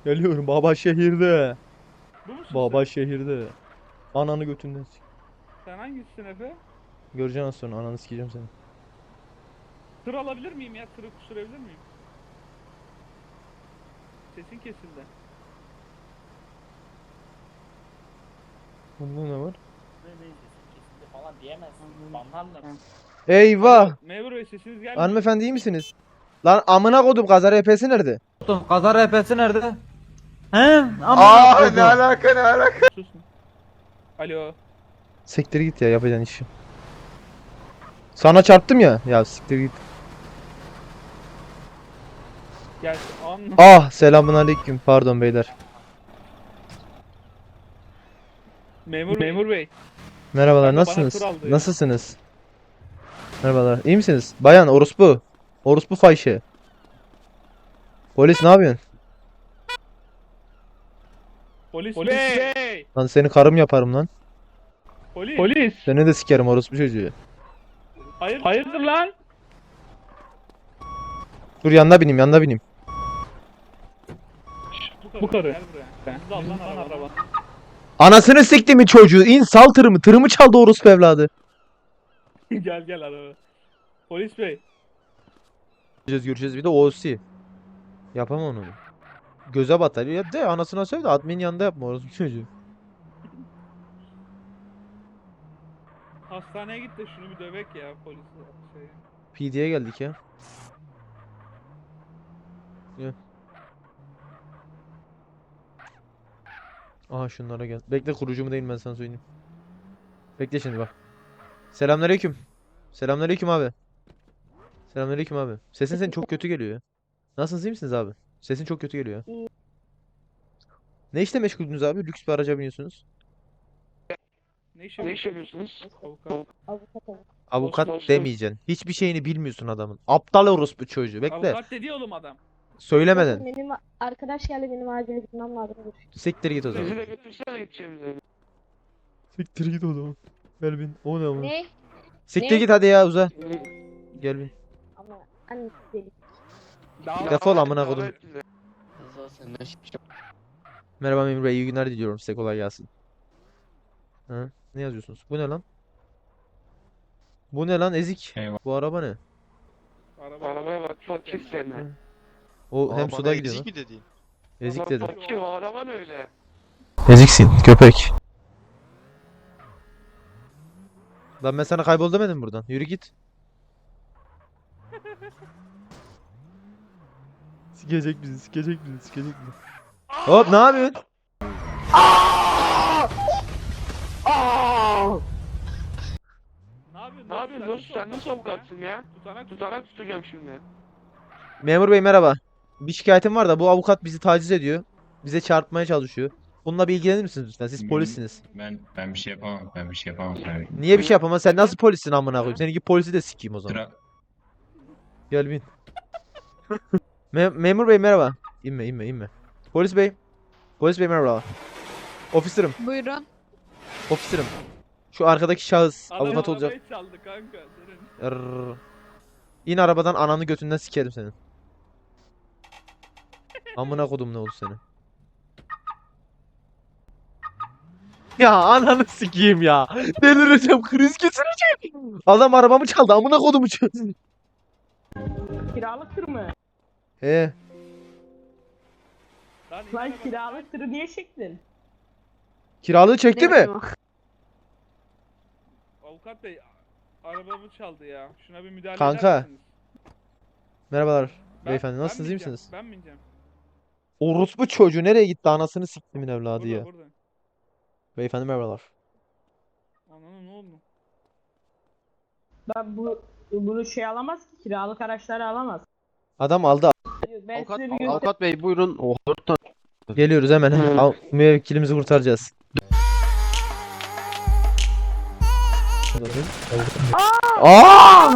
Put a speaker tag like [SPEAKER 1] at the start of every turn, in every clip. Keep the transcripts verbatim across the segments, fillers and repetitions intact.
[SPEAKER 1] Geliyorum baba şehirde.
[SPEAKER 2] Bu musun
[SPEAKER 1] Baba
[SPEAKER 2] sen?
[SPEAKER 1] şehirde. Ananı götünden sik.
[SPEAKER 2] Sen hangisisin Efe?
[SPEAKER 1] Göreceksin az sonra ananı sikeceğim seni.
[SPEAKER 2] Tır alabilir miyim ya? Tırı sürebilir miyim? Sesin kesildi.
[SPEAKER 1] Bunda ne var?
[SPEAKER 3] Kesinlikle falan diyemezsin. Banlarlar.
[SPEAKER 1] Eyvah!
[SPEAKER 2] Memur Bey sesiniz gelmiyor.
[SPEAKER 1] Hanımefendi iyi misiniz? Lan amına kodum kaza R P'si nerede?
[SPEAKER 4] Kaza R P'si nerede? He? Ama
[SPEAKER 5] Aa ne alaka ne alaka?
[SPEAKER 2] Susun. Alo.
[SPEAKER 1] Siktir git ya yapacağın işi. Sana çarptım ya. Ya siktir git.
[SPEAKER 2] Gel. Anla.
[SPEAKER 1] Ah selamun aleyküm. Pardon beyler.
[SPEAKER 2] Memur, Memur Bey.
[SPEAKER 1] Merhabalar
[SPEAKER 2] Kanka bana
[SPEAKER 1] nasılsınız?
[SPEAKER 2] tur aldı ya.
[SPEAKER 1] Nasılsınız? Merhabalar. İyi misiniz? Bayan orospu. Orospu fayşı. Polis ne yapıyorsun?
[SPEAKER 2] Polis, Polis Bey. Bey.
[SPEAKER 1] Lan seni karım yaparım lan.
[SPEAKER 2] Polis. Polis.
[SPEAKER 1] Seni de sikerim orospu çocuğu.
[SPEAKER 2] Hayır. Hayırdır lan?
[SPEAKER 1] Dur yanına bineyim yanına bineyim.
[SPEAKER 2] Bu karı. Bu karı. Gel buraya. Hızlı al lan araba.
[SPEAKER 1] Anasını sikti mi çocuğu? İn sal tırımı. Tırımı çaldı orospu evladı.
[SPEAKER 2] Gel gel araba. Polis Bey.
[SPEAKER 1] Göreceğiz göreceğiz bir de O C. Yapamam onu. Göze batar. Ya de anasına söyle de admin yanında yapma orospu çocuğu.
[SPEAKER 2] Hastaneye git de şunu bir dövek ya polis şey.
[SPEAKER 1] P D'ye geldik ya. Gel. Aha şunlara gel. Bekle kurucu mu değil mi ben sana söyleyeyim. Bekle şimdi bak. Selamünaleyküm. Selamünaleyküm abi. Selamünaleyküm abi. Sesin senin çok kötü geliyor ya. Nasılsınız iyi misiniz abi? Sesin çok kötü geliyor. Ne işle meşguldünüz abi? Lüks bir araca biniyorsunuz.
[SPEAKER 2] Ne iş yapıyorsunuz? Avukat.
[SPEAKER 1] Avukat
[SPEAKER 2] Olsun.
[SPEAKER 1] demeyeceksin. Hiçbir şeyini bilmiyorsun adamın. Aptal orospu çocuğu. Bekle.
[SPEAKER 2] Avukat dedi oğlum adam.
[SPEAKER 1] Söylemeden.
[SPEAKER 6] Benim arkadaş geldi, benim acil gitmem lazım.
[SPEAKER 1] Siktir git o zaman.
[SPEAKER 2] Bizi de götürsene gideceğimize.
[SPEAKER 1] Siktir git o zaman. Gel bin. O ne ama?
[SPEAKER 6] Ne?
[SPEAKER 1] Siktir
[SPEAKER 6] Ne?
[SPEAKER 1] git hadi ya uza. Gel bin.
[SPEAKER 6] Ama annesi deli.
[SPEAKER 1] Defol amına kodum. Merhaba Memur Bey, iyi günler diliyorum size, kolay gelsin. Ha? Ne yazıyorsunuz? Bu ne lan? Bu ne lan ezik?
[SPEAKER 5] Eyvah.
[SPEAKER 1] Bu araba ne?
[SPEAKER 2] Araba. Arabaya bak fakir seni.
[SPEAKER 1] O hem
[SPEAKER 5] Aa,
[SPEAKER 1] suda
[SPEAKER 5] bana
[SPEAKER 1] gidiyor
[SPEAKER 5] ezik
[SPEAKER 1] lan.
[SPEAKER 5] mi dedin?
[SPEAKER 1] Ezik dedim.
[SPEAKER 2] Fakir o araban öyle.
[SPEAKER 1] Eziksin köpek. Lan ben sana kaybol demedim buradan. Yürü git. Sikecek bizi, sikecek bizi, sikecek bizi. Hop ne yapıyorsun?
[SPEAKER 2] Ne yapıyorsun?
[SPEAKER 5] Ne yapıyorsun dostum sen nasıl avukatsın ya?
[SPEAKER 2] Tutanak
[SPEAKER 5] Tutanak tutacağım şimdi.
[SPEAKER 1] Memur bey merhaba. Bir şikayetim var da bu avukat bizi taciz ediyor. Bize çarpmaya çalışıyor. Bununla bir ilgilenir misiniz lütfen? Siz
[SPEAKER 7] Hmm.
[SPEAKER 1] polissiniz.
[SPEAKER 7] Ben ben bir şey yapamam. Ben bir şey yapamam. Ben
[SPEAKER 1] Niye bir şey yapamaz? Sen nasıl polissin amına koyayım? Seninki polisi de sikeyim o zaman.
[SPEAKER 7] Sıra
[SPEAKER 1] Gel bin. Me- memur bey merhaba. İnme inme inme. Polis bey. Polis bey merhaba. Ofisirim.
[SPEAKER 8] Buyurun.
[SPEAKER 1] Ofisirim. Şu arkadaki şahıs
[SPEAKER 2] Adam
[SPEAKER 1] avukat olacak.
[SPEAKER 2] arabayı çaldı kanka. Senin.
[SPEAKER 1] Rrrr. İn arabadan ananı götünden sikerim senin. Amına kodum ne oldu senin? Ya ananı sikeyim ya. Delireceğim, kriz geçireceğim. Adam arabamı çaldı, amına kodumu çaldı.
[SPEAKER 9] Kiralık tır mı?
[SPEAKER 1] He.
[SPEAKER 2] Lan, in
[SPEAKER 9] Lan
[SPEAKER 2] arabadan.
[SPEAKER 9] kiralık tırı niye çektin?
[SPEAKER 1] Kiralığı çekti mi?
[SPEAKER 2] Avukat bey arabamı çaldı ya. Şuna bir müdahale
[SPEAKER 1] Kanka.
[SPEAKER 2] eder misiniz?
[SPEAKER 1] Merhabalar
[SPEAKER 2] Ben-
[SPEAKER 1] beyefendi,
[SPEAKER 2] ben
[SPEAKER 1] nasılsınız, iyi
[SPEAKER 2] bineceğim,
[SPEAKER 1] misiniz?
[SPEAKER 2] Ben bineceğim.
[SPEAKER 1] Orospu çocuğu nereye gitti, anasını siktimin evladı
[SPEAKER 2] Burada
[SPEAKER 1] ya.
[SPEAKER 2] burada.
[SPEAKER 1] Beyefendi merhabalar.
[SPEAKER 2] Ananı ne oldu?
[SPEAKER 9] Ben bu bunu şey alamaz ki, kiralık araçları alamaz.
[SPEAKER 1] Adam aldı.
[SPEAKER 9] Ben
[SPEAKER 5] Avukat,
[SPEAKER 9] size bir göster-
[SPEAKER 5] avukat bey buyurun. Oh,
[SPEAKER 1] Geliyoruz hemen. Al, müvekkilimizi kurtaracağız. Aa!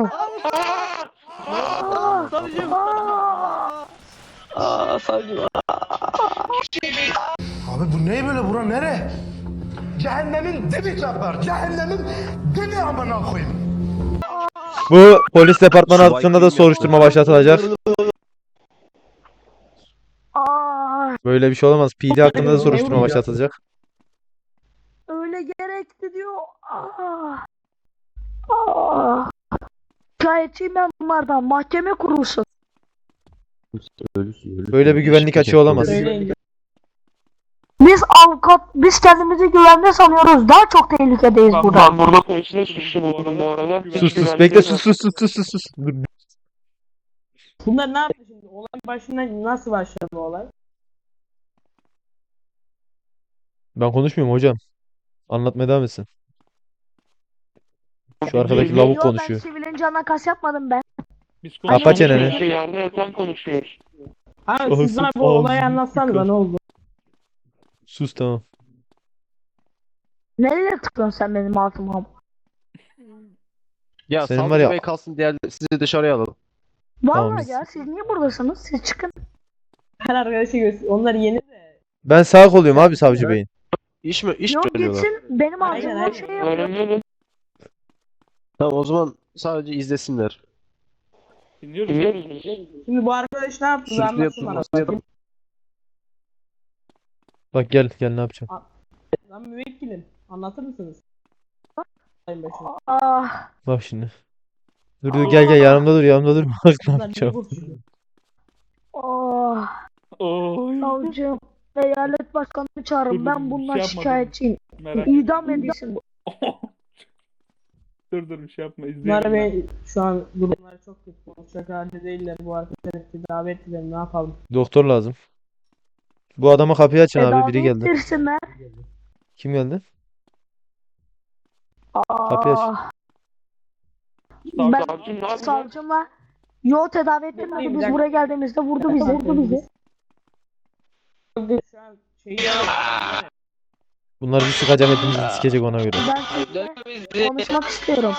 [SPEAKER 10] Abi bu ne böyle, bura nere? Cehennemin dibi çapar. Cehennemin dibi amına koyayım.
[SPEAKER 1] Bu polis departmanı hakkında da soruşturma başlatılacak. Böyle bir şey olamaz. P D hakkında da soruşturma
[SPEAKER 9] Ne
[SPEAKER 1] başlatılacak.
[SPEAKER 6] Öyle gerekti diyor. Ah. Ah. Şikayetçiyim ben bunlardan. Mahkeme kurulsun.
[SPEAKER 1] Böyle bir güvenlik açığı olamaz.
[SPEAKER 9] Söyleyin.
[SPEAKER 6] Biz avukat, biz kendimizi güvende sanıyoruz. Daha çok tehlikedeyiz
[SPEAKER 2] Ben-
[SPEAKER 6] burada.
[SPEAKER 5] Ben burada polisle suçlamadım bu arada.
[SPEAKER 1] Sus sus bekle sus sus sus sus sus sus. Dur.
[SPEAKER 9] Bunlar ne yaptı şimdi? Olay başına nasıl başladı bu olay?
[SPEAKER 1] Ben konuşmuyorum hocam. Anlatmaya devam etsin. Şu arkadaki lavuk
[SPEAKER 6] Yo, ben
[SPEAKER 1] konuşuyor.
[SPEAKER 6] sivilin canına kas yapmadım ben.
[SPEAKER 2] Biz
[SPEAKER 1] Kapa
[SPEAKER 2] konuşuyoruz.
[SPEAKER 1] çeneni.
[SPEAKER 5] Şey, yerde yatan konuşuyor.
[SPEAKER 9] Abi siz bana bu
[SPEAKER 1] Ağzı-
[SPEAKER 9] olayı anlatsanıza
[SPEAKER 1] ağzı-
[SPEAKER 9] ne oldu?
[SPEAKER 1] Sus tamam.
[SPEAKER 6] Nereye tıklıyorsun sen benim altıma?
[SPEAKER 5] Ya
[SPEAKER 1] Senin var
[SPEAKER 5] Savcı
[SPEAKER 1] ya-
[SPEAKER 5] Bey kalsın, diğer sizi dışarıya alalım.
[SPEAKER 6] Vallahi
[SPEAKER 1] biz-
[SPEAKER 6] ya siz niye buradasınız? Siz çıkın.
[SPEAKER 9] Her arkadaşı göster. Onlar yeni de.
[SPEAKER 1] Ben sağ koluyum abi savcı beyin.
[SPEAKER 5] İş mi? İş
[SPEAKER 6] Yok
[SPEAKER 5] söylüyorlar.
[SPEAKER 6] gitsin. Benim
[SPEAKER 9] Aynen,
[SPEAKER 6] ağzımdan
[SPEAKER 9] aynen.
[SPEAKER 6] şey yapıyor.
[SPEAKER 5] Öğrenelim. Tamam, o zaman sadece izlesinler.
[SPEAKER 2] Dinliyoruz.
[SPEAKER 9] Şimdi bu arkadaş ne yaptı? Bir
[SPEAKER 5] Sürüklü
[SPEAKER 9] Anlatsın bana.
[SPEAKER 5] yapılması.
[SPEAKER 1] Bak gel gel ne yapacağım.
[SPEAKER 9] Lan müvekkilim. Anlatır mısınız? Sayın Başım.
[SPEAKER 6] Ah.
[SPEAKER 1] Bak şimdi. Dur dur gel gel yanımda dur yanımda dur. Bak ne
[SPEAKER 9] Bunlar niye
[SPEAKER 1] yapacağım.
[SPEAKER 9] konuşuyor?
[SPEAKER 6] Oh.
[SPEAKER 2] Oy.
[SPEAKER 6] Savcım. Eyalet başkanını çağırın.
[SPEAKER 2] Dur,
[SPEAKER 6] Ben
[SPEAKER 2] dur,
[SPEAKER 6] bundan
[SPEAKER 2] şey yapma, dur.
[SPEAKER 6] şikayetçiyim.
[SPEAKER 2] Merak
[SPEAKER 6] İdam edilsin bu.
[SPEAKER 2] Dur dur bir şey yapma
[SPEAKER 9] Bunlar
[SPEAKER 2] izleyelim.
[SPEAKER 9] Bey şu an durumları çok kötü. Konuşacak halde değiller. Bu arkadaşlar tedavi ettiler. Ne yapalım?
[SPEAKER 1] Doktor lazım. Bu adama kapıyı açın abi biri
[SPEAKER 6] Tedavi
[SPEAKER 1] geldi.
[SPEAKER 6] ettirsinler.
[SPEAKER 1] Kim geldi? Kapıyı aç.
[SPEAKER 6] Ah.
[SPEAKER 2] Savcı-
[SPEAKER 6] Ben
[SPEAKER 5] Savcım ne yapıyor?
[SPEAKER 6] savcımla yo tedavi ettirmedi.
[SPEAKER 9] Bir
[SPEAKER 6] Biz
[SPEAKER 9] dakika.
[SPEAKER 6] buraya geldiğimizde vurdu bizi. Vurdu bizi.
[SPEAKER 9] Şu an şeyi
[SPEAKER 1] Bunlar bir sıkacak hepimizi sikecek ona göre.
[SPEAKER 6] Ben sizinle konuşmak istiyorum.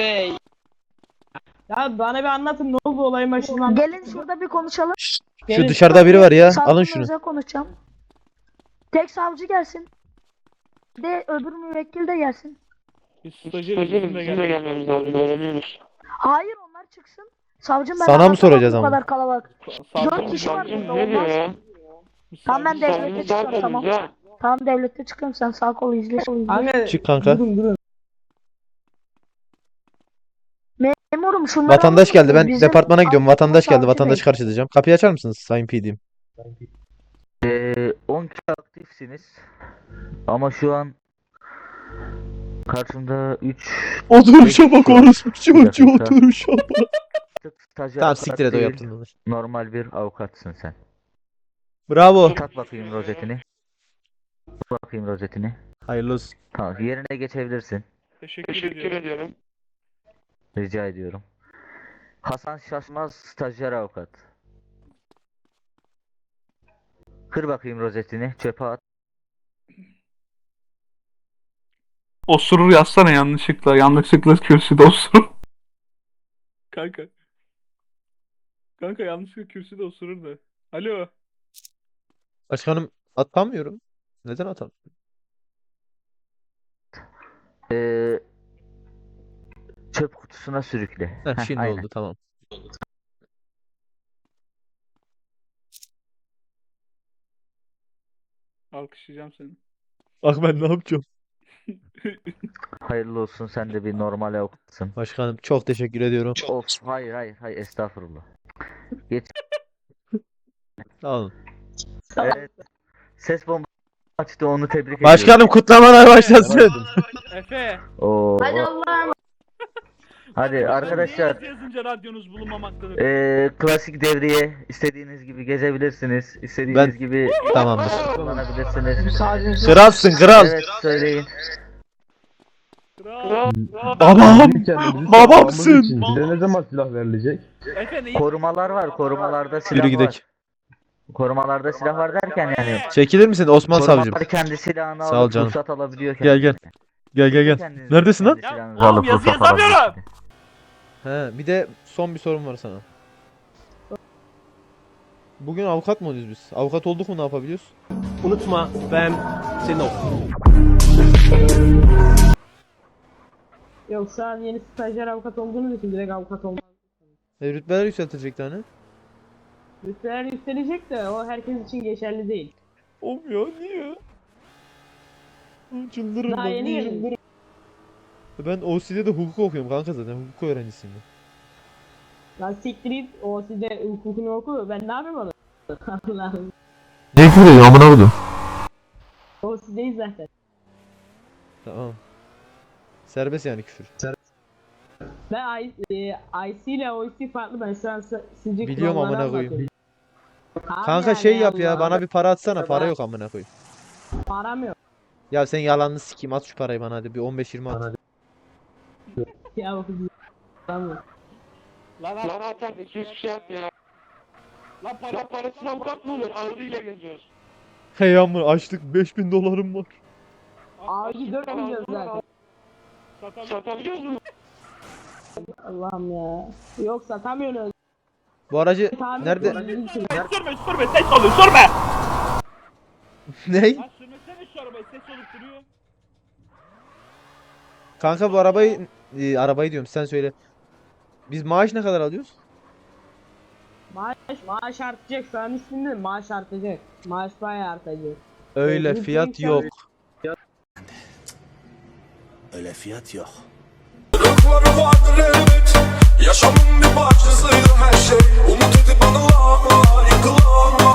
[SPEAKER 9] Ya bana bir anlatın ne oldu olayın başından.
[SPEAKER 6] Gelin şurada bir konuşalım.
[SPEAKER 1] Şu
[SPEAKER 9] Gelin.
[SPEAKER 1] dışarıda biri var ya.
[SPEAKER 6] Savcımla
[SPEAKER 1] Alın şunu.
[SPEAKER 6] özel konuşacağım. Tek savcı gelsin. Bir de öbür müvekkil de gelsin.
[SPEAKER 2] Biz stajyeriz bizimle gel.
[SPEAKER 5] gelmemiz lazım, öğreniyoruz.
[SPEAKER 6] Hayır onlar çıksın. Savcım ben
[SPEAKER 1] Sana mı
[SPEAKER 6] anlatamam
[SPEAKER 1] soracağız
[SPEAKER 6] bu
[SPEAKER 1] ama?
[SPEAKER 6] kadar kalabalık.
[SPEAKER 2] Savcı-
[SPEAKER 6] Dört kişi var
[SPEAKER 5] Savcım
[SPEAKER 6] burada
[SPEAKER 5] ne diyor
[SPEAKER 6] olmaz.
[SPEAKER 5] ya?
[SPEAKER 2] Biz
[SPEAKER 6] Tamam, ben
[SPEAKER 2] savcı-
[SPEAKER 6] de-
[SPEAKER 5] Savcım
[SPEAKER 6] devlete çıkıyorum,
[SPEAKER 5] zaten
[SPEAKER 6] tamam.
[SPEAKER 5] ya.
[SPEAKER 6] Tamam devlette çıkıyorum sen sağ kolu izle.
[SPEAKER 9] Kanka,
[SPEAKER 1] Çık kanka.
[SPEAKER 9] Durun durun.
[SPEAKER 6] Memurum şunları
[SPEAKER 1] Vatandaş
[SPEAKER 6] alır
[SPEAKER 1] geldi. Ben
[SPEAKER 6] mısınız? Bizim
[SPEAKER 1] departmana gidiyorum.
[SPEAKER 6] avukatımız
[SPEAKER 1] Vatandaş geldi.
[SPEAKER 6] savcı
[SPEAKER 1] Vatandaşı
[SPEAKER 6] bey.
[SPEAKER 1] karşılayacağım. Kapıyı açar mısınız Sayın P D'm?
[SPEAKER 8] Ee, on kişi aktifsiniz. Ama şu an karşımda üç
[SPEAKER 1] Oturuşa
[SPEAKER 8] bak
[SPEAKER 1] orospu
[SPEAKER 8] çocuğu,
[SPEAKER 1] oturuşa bak.
[SPEAKER 8] stajyer
[SPEAKER 1] Tamam
[SPEAKER 8] avukat
[SPEAKER 1] siktir et o
[SPEAKER 8] değil,
[SPEAKER 1] yaptın.
[SPEAKER 8] normal bir avukatsın sen.
[SPEAKER 1] Bravo.
[SPEAKER 8] Tak bakayım rozetini. Tak bakayım rozetini.
[SPEAKER 1] Hayırlı olsun.
[SPEAKER 8] Tamam, yerine geçebilirsin.
[SPEAKER 2] Teşekkür,
[SPEAKER 5] Teşekkür
[SPEAKER 2] ediyorum.
[SPEAKER 5] ediyorum.
[SPEAKER 8] Rica ediyorum. Hasan Şaşmaz, stajyer avukat. Kır bakayım rozetini, çöpe at.
[SPEAKER 2] Osurur yazsana yanlışlıkla. Yanlışlıkla kürsüde osurur. Kanka. Kanka yanlışlıkla kürsüde osurur da. Alo.
[SPEAKER 1] Başkanım atamıyorum. Neden atam?
[SPEAKER 8] Ee, çöp kutusuna sürükle.
[SPEAKER 1] Heh,
[SPEAKER 8] Heh,
[SPEAKER 1] şimdi
[SPEAKER 8] aynen.
[SPEAKER 1] oldu tamam.
[SPEAKER 2] Alkışlayacağım seni.
[SPEAKER 1] Bak ben ne yapacağım?
[SPEAKER 8] Hayırlı olsun, sen de bir normal avukatsın.
[SPEAKER 1] Başkanım çok teşekkür ediyorum.
[SPEAKER 8] Of, hayır hayır hayır, estağfurullah. Geç.
[SPEAKER 1] Sağ olun.
[SPEAKER 8] Evet. Ses bomba açtı, onu tebrik ediyorum.
[SPEAKER 1] Başkanım kutlamalar başlasın.
[SPEAKER 2] Efe.
[SPEAKER 8] Oo,
[SPEAKER 6] Hadi
[SPEAKER 8] o-
[SPEAKER 6] Allah'a
[SPEAKER 8] Hadi arkadaşlar,
[SPEAKER 2] Niye yazınca radyonuz bulunmamaktadır?
[SPEAKER 8] eee, klasik devriye istediğiniz gibi gezebilirsiniz. İstediğiniz
[SPEAKER 1] Ben-
[SPEAKER 8] gibi
[SPEAKER 1] Tamamdır.
[SPEAKER 8] kullanabilirsiniz.
[SPEAKER 1] Kralsın kral.
[SPEAKER 8] Evet, söyleyin.
[SPEAKER 2] Kral.
[SPEAKER 1] Babam. Babamsın.
[SPEAKER 10] Bize ne zaman silah verilecek?
[SPEAKER 2] Efe neyi?
[SPEAKER 8] Korumalar var, korumalarda silah
[SPEAKER 1] Yürü
[SPEAKER 8] var.
[SPEAKER 1] gidelim.
[SPEAKER 8] Korumalarda silah var derken yani.
[SPEAKER 1] Çekilir misin Osman savcım?
[SPEAKER 8] Korumalar kendi silahını
[SPEAKER 1] Sağ ol
[SPEAKER 8] alıp
[SPEAKER 1] canım.
[SPEAKER 8] ruhsat alabiliyor.
[SPEAKER 1] Gel gel. Gel gel gel.
[SPEAKER 8] Kendiniz
[SPEAKER 1] Neredesin lan?
[SPEAKER 8] kendi
[SPEAKER 2] Ya,
[SPEAKER 8] silahınızı
[SPEAKER 2] oğlum,
[SPEAKER 8] alıp
[SPEAKER 2] yazı
[SPEAKER 8] ruhsat
[SPEAKER 2] yazamıyorum.
[SPEAKER 8] alabiliyorsunuz.
[SPEAKER 1] He, bir de son bir sorum var sana. Bugün avukat mı oluyoruz biz? Avukat olduk mu ne yapabiliyoruz?
[SPEAKER 10] Unutma ben senin ol.
[SPEAKER 9] Yok şu an yeni stajyer avukat olduğunuz için direkt avukat olmaz.
[SPEAKER 1] E, rütbeler yükseltilecekti hani.
[SPEAKER 9] Rütbeler yükselecek de o herkes için geçerli değil.
[SPEAKER 1] Olmuyor niye? Oğlum Çıldırırım
[SPEAKER 9] Daha
[SPEAKER 1] ben.
[SPEAKER 9] yeni
[SPEAKER 1] niye?
[SPEAKER 9] gelin.
[SPEAKER 1] Ben O C D'de hukuk okuyorum kanka zaten hukuk öğrencisiyim ben.
[SPEAKER 9] Lan siktir git o size hukukunu oku ben ne yapayım onu? Allah'ım.
[SPEAKER 1] Ne küfür ediyorsun amına koydum.
[SPEAKER 9] O sizdeyiz zaten.
[SPEAKER 1] Tamam. Serbest yani küfür.
[SPEAKER 9] Ben I, e, I C ile O C farklı ben şu an si- sizce
[SPEAKER 1] Biliyorum
[SPEAKER 9] kuralları
[SPEAKER 1] amına koyayım.
[SPEAKER 9] anlatıyorum. Abi
[SPEAKER 1] Kanka
[SPEAKER 9] yani
[SPEAKER 1] şey yap ya
[SPEAKER 9] Allah
[SPEAKER 1] bana
[SPEAKER 9] Allah.
[SPEAKER 1] bir para atsana para yok amına koyayım.
[SPEAKER 9] Param yok.
[SPEAKER 1] Ya sen yalanını sikeyim at şu parayı bana hadi bir on beş yirmi at.
[SPEAKER 9] Ya o kız- Tamam.
[SPEAKER 3] Lan lan atar iki yüz şey yap ya. Lan para parasına avukat mı olur? Ağrıyla geziyoruz.
[SPEAKER 1] Hey amına açlık beş bin dolarım var.
[SPEAKER 9] Abi dört milyon zaten.
[SPEAKER 3] Satabiliyoruz mu?
[SPEAKER 9] Allah'ım ya. Yok satamıyoruz.
[SPEAKER 1] Bu aracı
[SPEAKER 9] Tamir
[SPEAKER 1] nerede?
[SPEAKER 9] ediyoruz.
[SPEAKER 2] Sürme sürme ses oluyor sürme.
[SPEAKER 1] Ney?
[SPEAKER 2] Lan sürmesene şu arabayı ses olup duruyor.
[SPEAKER 1] Kanka bu arabayı e, arabayı diyorum sen söyle. Biz maaş ne kadar alıyoruz?
[SPEAKER 9] Maaş, maaş artacak şu an üstünde maaş artacak. Maaş bayağı artacak.
[SPEAKER 1] Öyle
[SPEAKER 9] Evet,
[SPEAKER 1] fiyat
[SPEAKER 9] lütfen
[SPEAKER 1] yok.
[SPEAKER 10] Öyle fiyat yok.
[SPEAKER 11] Yaşamın bir parçasıydı her şey. Umut edip anılar yıkılan